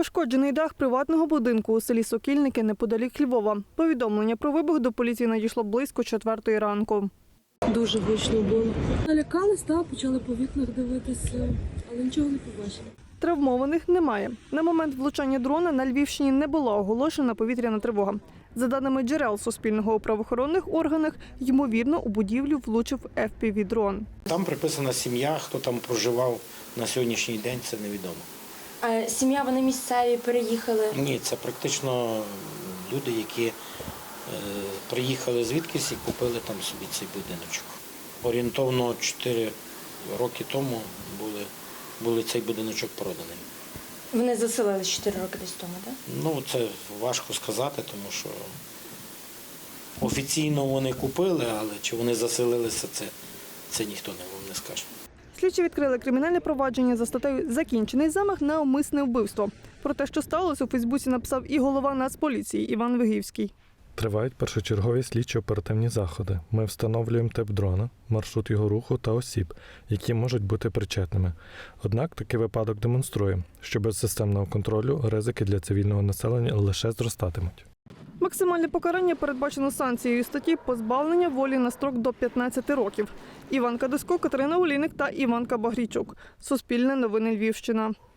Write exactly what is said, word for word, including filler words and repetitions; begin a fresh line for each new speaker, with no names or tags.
Пошкоджений дах приватного будинку у селі Сокільники неподалік Львова. Повідомлення про вибух до поліції надійшло близько четвертої ранку.
Дуже гучно було. Налякались, так, почали по вікнах дивитися, але нічого не побачили.
Травмованих немає. На момент влучання дрона на Львівщині не була оголошена повітряна тривога. За даними джерел Суспільного у правоохоронних органах, ймовірно, у будівлю влучив еф пі ві-дрон.
Там приписана сім'я, хто там проживав на сьогоднішній день, це невідомо.
А сім'я, вони місцеві, переїхали?
Ні, це практично люди, які е, приїхали звідкись і купили там собі цей будиночок. Орієнтовно чотири роки тому були, були цей будиночок проданий.
Вони заселились чотири роки десь тому, так?
Ну, це важко сказати, тому що офіційно вони купили, але чи вони заселилися, це, це ніхто вам не скаже.
Слідчі відкрили кримінальне провадження за статтею «Закінчений замах на умисне вбивство». Про те, що сталося, у Фейсбуці написав і голова Нацполіції Іван Вигівський.
Тривають першочергові слідчо-оперативні заходи. Ми встановлюємо тип дрона, маршрут його руху та осіб, які можуть бути причетними. Однак такий випадок демонструє, що без системного контролю ризики для цивільного населення лише зростатимуть.
Максимальне покарання передбачено санкцією статті «Позбавлення волі на строк до п'ятнадцяти років». Іван Кадисько, Катерина Олійник та Іванка Багрійчук. Суспільне новини Львівщина.